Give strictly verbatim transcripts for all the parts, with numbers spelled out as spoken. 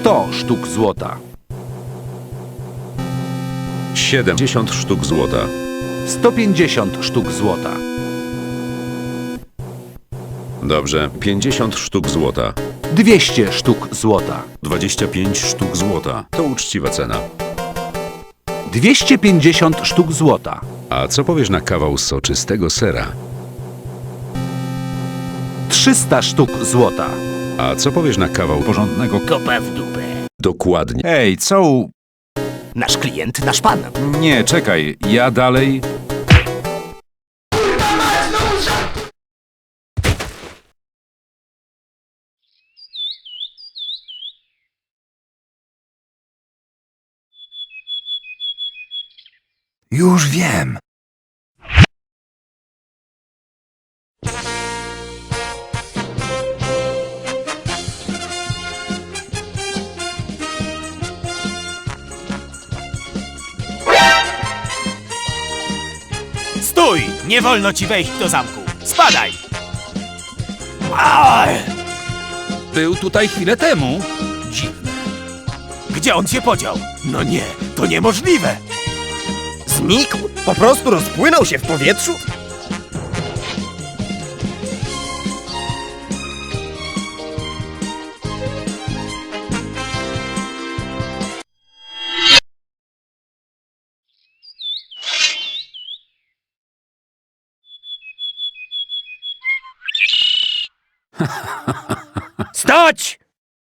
sto sztuk złota. siedemdziesiąt sztuk złota. sto pięćdziesiąt sztuk złota. Dobrze, pięćdziesiąt sztuk złota. dwieście sztuk złota. dwadzieścia pięć sztuk złota. To uczciwa cena. dwieście pięćdziesiąt sztuk złota. A co powiesz na kawał soczystego sera? trzysta sztuk złota. A co powiesz na kawał porządnego... Kopa w dupę. Dokładnie. Ej, co u... Nasz klient, nasz pan. Nie, czekaj, ja dalej... Już wiem. Stój! Nie wolno ci wejść do zamku. Spadaj! Aj! Był tutaj chwilę temu. Dziwne. Gdzie on się podział? No nie, to niemożliwe! Znikł? Po prostu rozpłynął się w powietrzu? Stoć!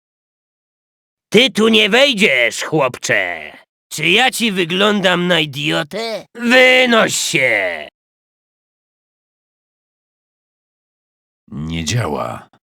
Ty tu nie wejdziesz, chłopcze. Czy ja ci wyglądam na idiotę? Wynoś się! Nie działa.